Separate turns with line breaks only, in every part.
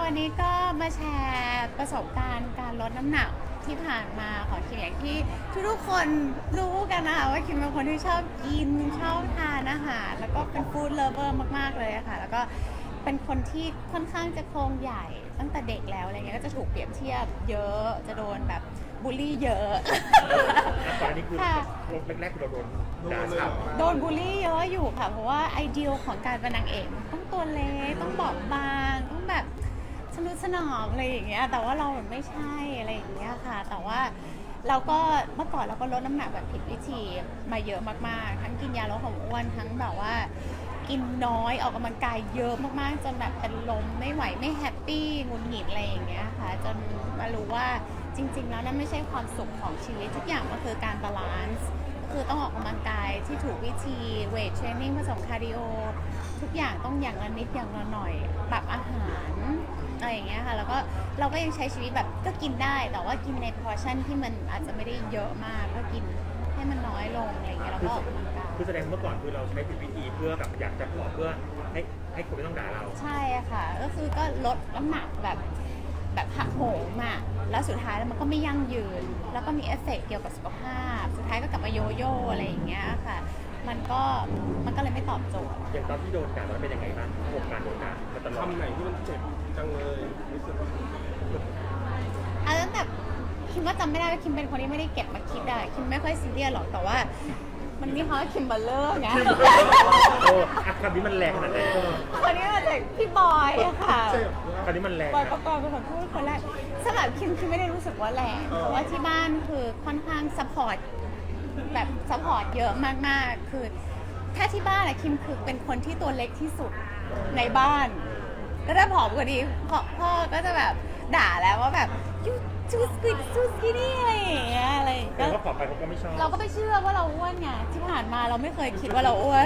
วันนี้ก็มาแชร์ประสบการณ์การลดน้ำหนักที่ผ่านมาของคิมอย่างที่ทุกๆคนรู้กันนะคะว่าคิมเป็นคนที่ชอบกินชอบทานอาหารแล้วก็เป็นฟู้ดเลิฟเวอร์มากๆเลยค่ะแล้วก็เป็นคนที่ค่อนข้างจะโครงใหญ่ตั้งแต่เด็กแล้วอะไรเงี้ยก็จะถูกเปรียบเทียบเยอะจะโดนแบบบูลลี่เยอะ
ตอนนี้คือแรกๆเราโดนด่าฉ่ำ
โดนบูลลี่เยอะอยู่ค่ะเพราะว่าไอเดียของการเป็นนางเอกต้องตัวเล็กต้องบอบบางต้องแบบสนุกสนานอะไรอย่างเงี้ยแต่ว่าเราไม่ใช่อะไรอย่างเงี้ยค่ะแต่ว่าเราก็เมื่อก่อนเราก็ลดน้ำหนักแบบผิดวิธีมาเยอะมากๆทั้งกินยาลดความอ้วนทั้งแบบว่ากินน้อยออกกำลังกายเยอะมากๆจนแบบเป็นลมไม่ไหวไม่แฮปปี้หงุดหงิดอะไรอย่างเงี้ยค่ะจนมารู้ว่าจริงๆแล้วนั่นไม่ใช่ความสุขของชีวิตทุกอย่างมันคือการบาลานซ์คือต้องออกกำลังกายที่ถูกวิธีเวทเทรนนิ่งผสมคาร์ดิโอทุกอย่างต้องอย่างละนิดอย่างละหน่อยปรับอาหารอะไรอย่างเงี้ยค่ะแล้วก็เราก็ยังใช้ชีวิตแบบก็กินได้แต่ว่ากินในพอร์ชั่นที่มันอาจจะไม่ได้เยอะมากก็กินให้มันน้อยลงอะไรอย่างเงี้ยแล้วก็ออกกำลังกาย
คือแสดงเมื่อก่อนคือเราใช้ผิดวิธีเพื่อแบบอยากจะผอมเพื่อให้คนไม่ต้องด่าเรา
ใช่ค่ะก็คือก็ลดน้ำหนักแบบหักโหมอ่ะแล้วสุดท้ายแล้วมันก็ไม่ยั่งยืนแล้วก็มีเอฟเฟกต์เกี่ยวกับสุขภาพสุดท้ายก็กลับมาโยโย่อะไรอย่างเงี้ยค่ะมันก็เลยไม่ตอบโจทย์
อย่างตอนที่โดนด่ามันเป็นยังไงบ้างประสบการณ์โดนด่ามาตลอด
คำไหนที่มันเจ็บจังเลยรู้สึกว่า
ตั้งแต่คิมว่าจำไม่ได้ว่าคิมเป็นคนที่ไม่ได้เก็บมาคิดอะคิมไม่ค่อยซีเรียสหรอกแต่ว่ามันมีคำว่าคิมเบอร์เลอร์ไง
โอ้คำนี้มันแรงขนาดไหน
คนนี้มาจากพี่บอยอะค่ะ
คำนี้มันแรง
บอยประกอบเป็นคนพูดคนแรกสำหรับคิมไม่ได้รู้สึกว่าแรงเพราะว่าที่บ้านคือค่อนข้างซัพพอร์ตแบบซัพพอร์ตเยอะมากๆคือถ้าที่บ้านอะคิมคือเป็นคนที่ตัวเล็กที่สุดในบ้านแล้วถ้าผอมกว่านี้พ่อก็จะแบบด่าแล้วว่าแบบยูจูสกินี่อะไรอย่างเงี้ยอะไร
แต่ว่าผอมไปเขาก็ไม่ชอบ
เราก็ไม่เชื่อว่าเราอ้วนไงที่ผ่านมาเราไม่เคยคิดว่าเราอ้วน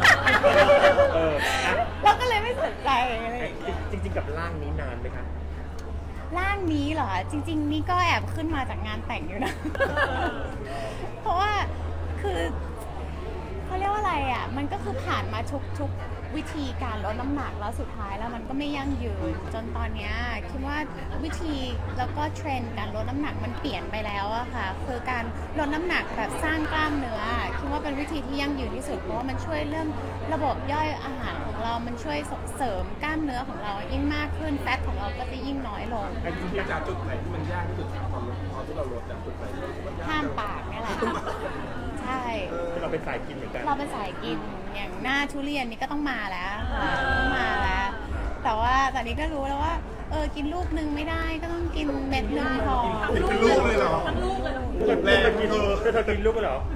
เราก็เลยไม่สนใจอะไร
จริงๆกับร่างนี้นานไหมคะ
ร่างนี้เหรอจริงๆนี่ก็แอบขึ้นมาจากงานแต่งอยู่นะเพราะว่าคือเขาเรียกว่าอะไรอ่ะมันก็คือผ่านมาทุกวิธีการลดน้ำหนักแล้วสุดท้ายแล้วมันก็ไม่ยั่งยืนจนตอนนี้คิดว่าวิธีแล้วก็เทรนด์การลดน้ำหนักมันเปลี่ยนไปแล้วอะค่ะคือการลดน้ำหนักแบบสร้างกล้ามเนื้อคิดว่าเป็นวิธีที่ยั่งยืนที่สุดเพราะว่ามันช่วยเรื่องระบบย่อยอาหารของเรามันช่วยส่งเสริมกล้ามเนื้อของเรายิ่งมากขึ้นแฟตของเราก็จะยิ่งน้อยลง
จากจุดไหนที่มันยากที่สุดตอนที่เราลดจากจุดไหน
ห้ามปากนี่แหละใช่
เราเป็นสายกินเหมือนกัน
เราเป็นสายกินอย่างหน้าทุเรียนนี่ก็ต้องมาแล้วต้องมาแล้วแต่ว่าตอนนี้ก็รู้แล้วว่ากินลูกนึงไม่ได้ก็ต้องกินเม็ดนึงพอ
เป็นลูกเลยเหรอทั้งลูกเลย
แรงกินเธอกินลูกเหรอ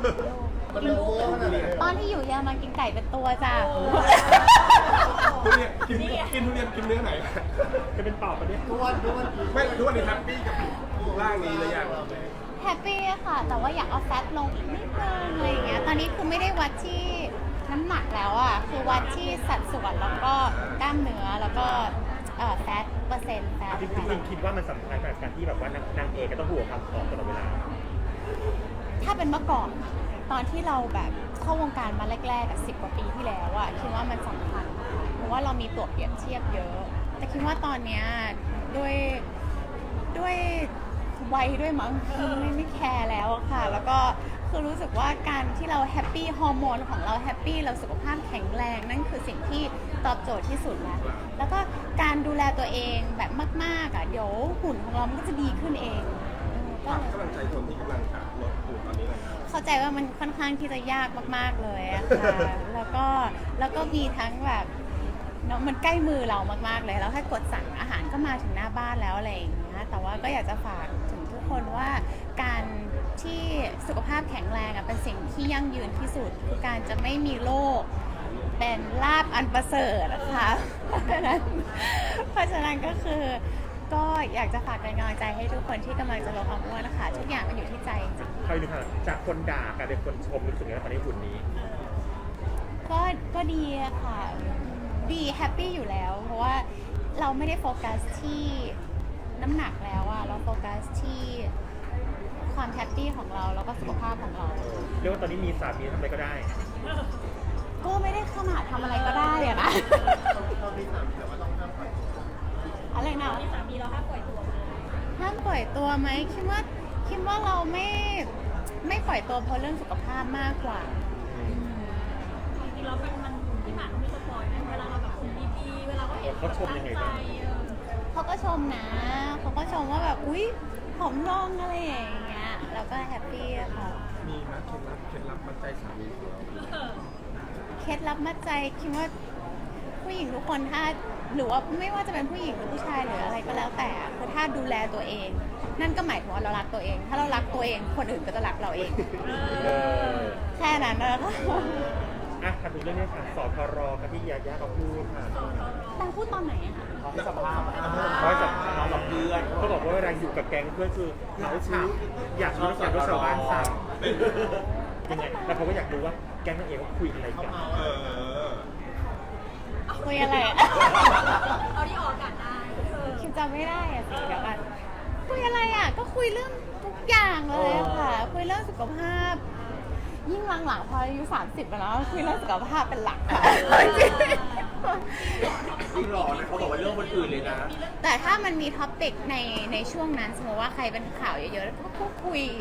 ตอนที่อยู่เยอรมันกินไก่เป็นตัวจ้ะ
ทุเรียนกินทุเรียนกินเนื้อไหน
จะเป็นปอบปะเนี่ย
ไม่ทุกวันนี้แฮปปี้กับร่างนี้เลยอย่าง
แฮปปี้ค่ะแต่ว่าอยากเอาแฟตลงอีกนิดนึงอะไรอย่างเงี้ยตอนนี้คือไม่ได้วัดที่น้ำหนักแล้วอ่ะคือวัดที่สัดส่วนแล้วก็กล้ามเนื้อแล้วก็แฟตเปอร์เซ็นต์แฟต
จริงๆคิดว่ามันสำคัญกับการที่แบบว่านางเอกก็ต้องห่วงความผอมตลอดเวลา
ถ้าเป็นเมื่อก่อนตอนที่เราแบบเข้าวงการมาแรกๆกับ10 กว่าปีที่แล้วอะคิดว่ามันสำคัญเพราะว่าเรามีตัวเปรียบเทียบเยอะแต่คิดว่าตอนเนี้ยด้วยวัยด้วยมั้งไม่แคร์แล้วอะค่ะแล้วก็คือรู้สึกว่าการที่เราแฮปปี้ฮอร์โมนของเราแฮปปี้เราสุขภาพแข็งแรงนั่นคือสิ่งที่ตอบโจทย์ที่สุดแล้วก็การดูแลตัวเองแบบมากๆอะเดี๋ยวหุ่นของเรามันก็จะดีขึ้นเอง
กำลังใจคนที่กำลังจะลดหุ่นตอนนี้เลย
เข้าใจว่ามันค่อนข้างที่จะยากมากๆเลยอะค่ะแล้วก็มีทั้งแบบเนาะมันใกล้มือเรามากๆเลยแล้วถ้ากดสั่งอาหารก็มาถึงหน้าบ้านแล้วอะไรอย่างเงี้ยแต่ว่าก็อยากจะฝากถึงทุกคนว่าการที่สุขภาพแข็งแรงเป็นสิ่งที่ยั่งยืนที่สุดคือการจะไม่มีโรคเป็นลาภอันประเสริฐนะคะเพราะฉะนั้นก็คือก็อยากจะฝากเป็นกำลังใจให้ทุกคนที่กำลังจะลดความอ้วนนะคะทุกอย่างมันอยู่ที่ใจจริง
ๆใครดูค่ะจากคนด่ากลายเป็นคนชมรู้สึกยังไงตอนนี้หุ่นนี้
ก็ดีค่ะดีแฮปปี้อยู่แล้วเพราะว่าเราไม่ได้โฟกัสที่น้ำหนักแล้วอะเราโฟกัสที่ความแฮปปี้ของเราแล้วก็สุขภาพของเรา
เรียกว่าตอนนี้มีสามีทำอะไรก็ได้
ก็ไม่ได้ขนาดทำอะไรก็ได้อะนะอห้ามปล่อยตัวไหมคิดว่าเราไม่ปล่อยตัวเพราะเรื่องสุขภาพมากกว่า
จริงๆแล้วมันที่ผ่านมามีสปอยไหมเวลาเราแบบหุ่นดีๆเวลาเขาเห็นตั้งใจ
เขาก็ชมนะ เขาก็ชมว่าแบบ อุ๊ยผอมลงอะไรอย่างเงี้ย แล้วก็แฮปปี้อะค่ะ
มีไหมเคล็ดลับมัดใจสามีของเรา
เคล็ดลับมัดใจคิดว่าผู้หญิงทุกคนถ้าหรือว่าไม่ว่าจะเป็นผู้หญิงหรือผู้ชายหรืออะไรก็แล้วแต่คือถ้าดูแลตัวเอง นั่นก็หมายถึงว่าเรารักตัวเอง ถ้าเรารักตัวเองคนอื่นก็จะรักเราเอง แค่นั้นนะคะ
อ่ะถามถึงเรื่องนี้ค่ะสทรกับที่ยาย่าเขาพูดค่ะ
นางพูดตอนไหนอะคะ
เขาให้สัมภาษณ์เขาให้สัมภาษณ์กับเพื่อนเขาบอกว่าเวลาอยู่กับแก๊งเพื่อนคือเขาชื่ออยากรู้อยากรู้ชาวบ้านสั่งยังไงแล้วเขาก็อยากรู้ว่าแก๊งนั่นเองว่าคุยอะไรกัน
คุยอะไรอะ
เอาที่ออกอากาศได้
คิดจำไม่ได้อะสิเดี๋ยวกันคุยอะไรอะก็คุยเรื่องทุกอย่างเลยอะค่ะ คุยเรื่องสุขภาพ ยิ่งหลังๆพออายุ30แล้วคุยเรื่องสุขภาพเป็นหลักค่ะจริง
จริงหรอนะเขาบอกว่าเรื่องคนอื่นเลยนะ
แต่ถ้ามันมีท็อปปิกในช่วงนั้นสมมติว่าใครเป็นข่าวเยอะๆแล้วก็คุย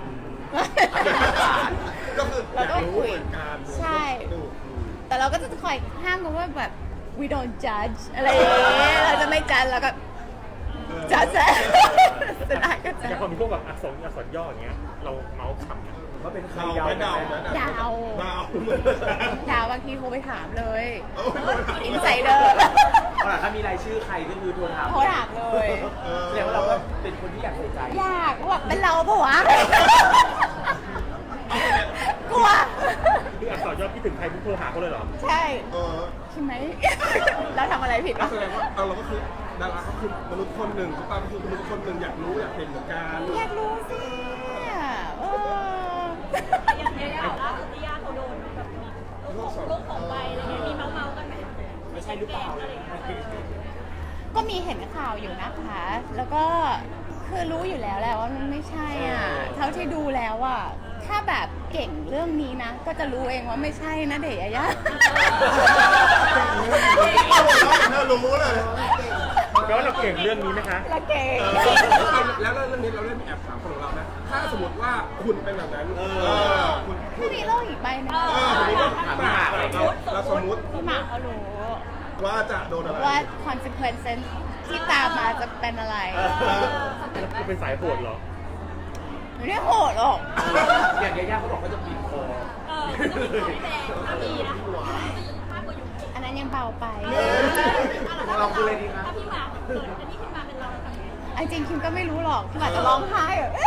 ก็คือ
เราก็คุย
เหมือนกัน
ใช่ แต่เราก็จะคอยห้ามกันว่าแบบ we don't judge อะไรอย่างเงี้ยเราจะไม่ judge แล้วก็ judge สุดท้ายก็จะ
อย่างพอมีพวกแบบอักษรย่ออย่างเงี้ยเราเมาส์ขำนะ
ว่าเป็นใครยาวเดา
ดาว
ดาว
ดาวบางทีโทรไปถามเลย
โอ้ย
อินไซเดอร์
ถ้ามีรายชื่อใครก็คือโทรถาม
โทรถามเลย
แสดงว่าเราก็เป็นคนที่อยากใส่ใจ
อยากว่าเป็นเราปะวะ กลัว
คืออักษรย่อพี่ถึงใครพุ่งโทรหาเขาเลยเหรอ
ใช่
เออ
ใช่ไหม แล้วทำอะไรผิดวะ
แสดงว่าเราก็คือดาราก็คือมนุษย์คนหนึ่งทุกตาก็คือมนุษย์คนหนึ่งอยากรู้อยากเห็นเหมือนกัน
อยากรู้สิเออ
อย่างเงี้ยล่าสุดที่ย่าเขาโดนแบบมีลูกของใบอะไรเงี้ยมีเมาๆกันไหม
ไม่ใช่หรือเปล่า
อะไรเงี้ย
ก็มีเห็นข่าวอยู่นะคะ แล้วก็คือรู้อยู่แล้วแหละว่ามันไม่ใช่อ่ะ เท่าที่ดูแล้วอ่ะ ถ้าแบบเก่งเรื่องนี้นะ ก็จะรู้เองว่าไม่ใช่นะเดชยะ
เธอรู้เลย
แปลว่าเราเก่งเรื่องนี้ไหมคะ
ละเก่ง
แล้วเรื่องนี้เราเล่นแอบถามคนของเรานะ ถ้าสมมติว่าคุณเป็นแบบนั้นคุณ
ถ้ามีโลกอีกใบหนึง
สมมติว่าถามหาเราสมมติ
พี่หมากเขารู้
ว่าจะโดนอะไร
ว่า consequences ที่ตามมาจะเป็นอะไร
คุณเป็นสายโหดเหรอ
ไม่ได้โหดหรอก
อย่างยาย่าเขาบอกเขาจะปีนคอ
จะมีของพี่แดงถ้ามีนะมากกว่าอยู่
อันนั้นยังเบาไป
เราคืออะไรดีคะ
ถ้าพี่หมากเกิดอันนี้ขึ้นมาเป็นเราทำไง
อันจริงคิมก็ไม่รู้หรอกคิมอาจจะร้องไห้แบบ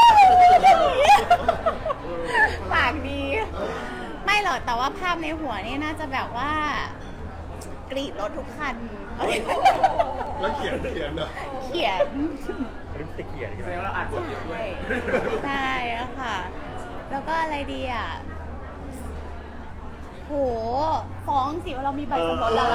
ปากดี ไม่หรอกแต่ว่าภาพในหัวนี่น่าจะแบบว่ากรีดรถทุกคัน
แล้วเขียนเหรอ
เขียน
ลิปสติกเขียนอย่าง
แสด
เงี้
ง
ย
ว่าเราอ่านบทเยอะด้วย
ใช่อะค่ะ แล้วก็อะไรดีอ่ะ โห ฟ้องสิว่าเรามีใบสมรสแล้ว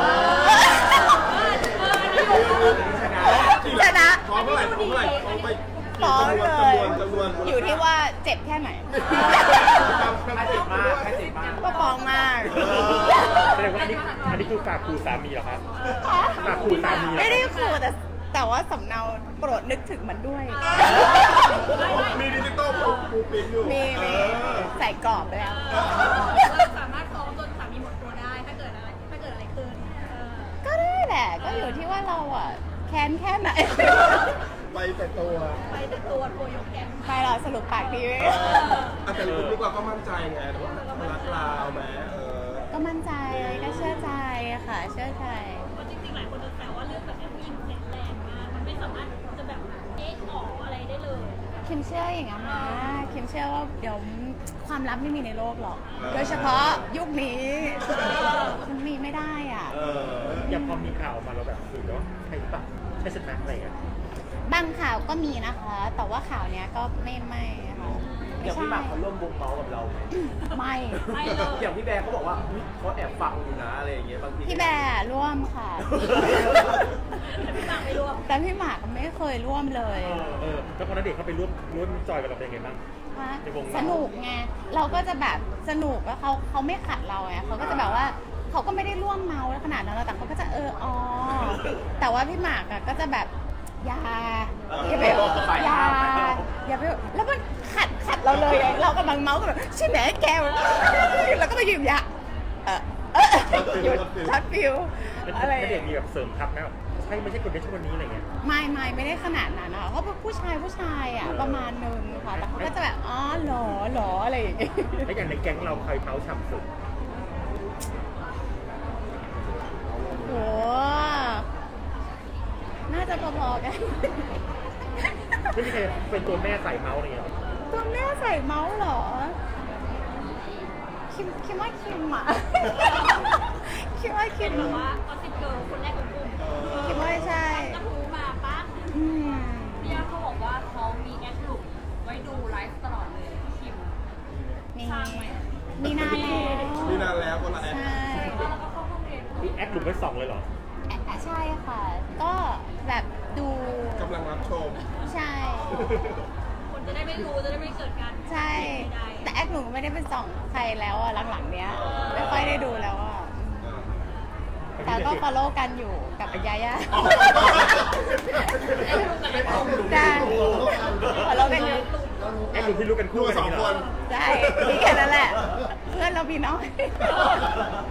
ชนะ
ฟ้องเท่าไหร่ฟ้องเท่าไหร่ฟ้องไป
ฟ้องเลย
จำนวน
อยู่ที่ว่าเจ็บแค่ไหน
ถ้าเจ็บมากถ้าเจ็บมาก
ก็ฟ้องมาก
แสดงว่าอันนี้คือฝากครูสามีเหรอครับ ฝากขู่สามีเหรอ
ไม่ได้ขู่แต่ว่าสำเนาโปรดนึกถึงมันด้วย
มีดิจิตอลปูปิ้นอยู่
มีใส่กรอบไปแล้ว
เราสามารถฟ้องจนสามีหมดตัวได้ถ้าเกิดอะไรขึ้น
ก็ได้แหละ ก็อยู่ที่ว่าเราอ่ะ แค้นแค่ไหน
ไปแต่ตัว
ไปแต่ตัวยกแขน
ไปหรอสรุปปากดีไหม
แต่คุณนี่เราก็มั่นใจไงว่ารักเราไหม
ก็มั่นใจก็เชื่อใจอะค่ะ เชื่อใจ
เพราะจริงๆหลายคนจะแซวว่าเรื่องแบบนี้ผู้หญิงแข็งแรงมากมันไม่สามารถจะแบบออกอะไรได้เลย
คิมเชื่ออย่างนั้นนะคิมเชื่อว่าเดี๋ยวความลับไม่มีในโลกหรอก โดยเฉพาะยุคนี้มันมีไม่ได้อ่ะ
อย่างพอมีข่าวออกมาเราแบบคือว่าใช่ปะใช่ใช่ไหมอะไรเงี้ย
บางข่าวก็มีนะคะ แต่ว่าข่าวเนี้ยก็ไม่ค่ะ
เดี๋ยวพี่หมากเขาร่วมวงเมาส์กับเราไหม
ไม่
ไม่เลย
อย่างพี่แบร์เขาบอกว่าอุ๊ยเขาแอบฟังอยู่นะอะไรอย่างเงี้ยบางที
พี่แบร์ร่วมค่ะ
พี่หมากไม่รวม
แต่พี่หมากไม่เคยร่วมเลย
แล้วพอณเดชน์เขาไปร่วมจอยกับเราเป็นยังไงบ้าง
ฮะ
ในวงเรา
สนุกไง เราก็จะแบบสนุกแล้วเขาไม่ขัดเราไงเขาก็จะแบบว่าเขาก็ไม่ได้ร่วมเมาขนาดนั้นหรอกแต่เขาก็จะอ๋อ แต่ว่าพี่หมากอะก็จะแบบอย่าไปอย่าไปแล้วมันขัดเราเลยเรากำลังเมาส์กันแบบใช่ไหมแกแล้วก็มายืมยาหยุดช็อตฟิวอะไร
ณเดชน์มีแบบเสริมทัพนะใช่ไม่ใช่คนนี้ใช่คนนี้อะไรเงี้ย
ไม่ได้ขนาดนั้นนะคะก็เป็นผู้ชายอ่ะประมาณนึงค่ะแต่เขาก็จะแบบอ๋อหรออะไรอย่างเงี้ย
แล้วอย่างในแก๊งเราใครเท้าฉ่ำสุด
โหน่าจะพอๆกัน
ไม่มีใครเป็นตัวแม่ใส่เมาส์อะไรเงี้ย
ตัวแม่ใส่เมาส์เหรอ คิมว่าคิมอ่ะ คิดว่าคิม
แบบว่าออสซิเกิร์ลคนแรกของกลุ่ม
คิดว่าใช่
กระทู้มาปั๊บ
อืม
พี่ย่าเขาบอกว่าเขามีแอดลุกไว้ดูไลฟ์ตลอดเลยคิม
มี
สร้างไหม
มีนานแล้ว
มีนานแล้วคนละแอป
ใช่
แล้วก็เข้าห้องเรียน
คือแอคหลุมไว้สองเลยเหรอ
ใช่ค่ะ ก็แบบดู
กำลังรับชม
ใช่
คนจะได้ไม่รู้จะได้ไม่เกิดการ
ใช่
ใด
แต่แอคหนูไม่ได้เป็นส่องใครแล้วอ่ะหลังๆเนี้ย ไม่ค่อยได้ดูแล้วอ่ะ แต่ก็ follow กันอยู่กับยาย่าได้ follow กันอยู่
แอคหลุมที่รู้กันคู่กัน
สอง
ย่า
คน
เหร
ได้มีแค่นั้นแหละ เพื่อนเราพี่น้อย
ๆ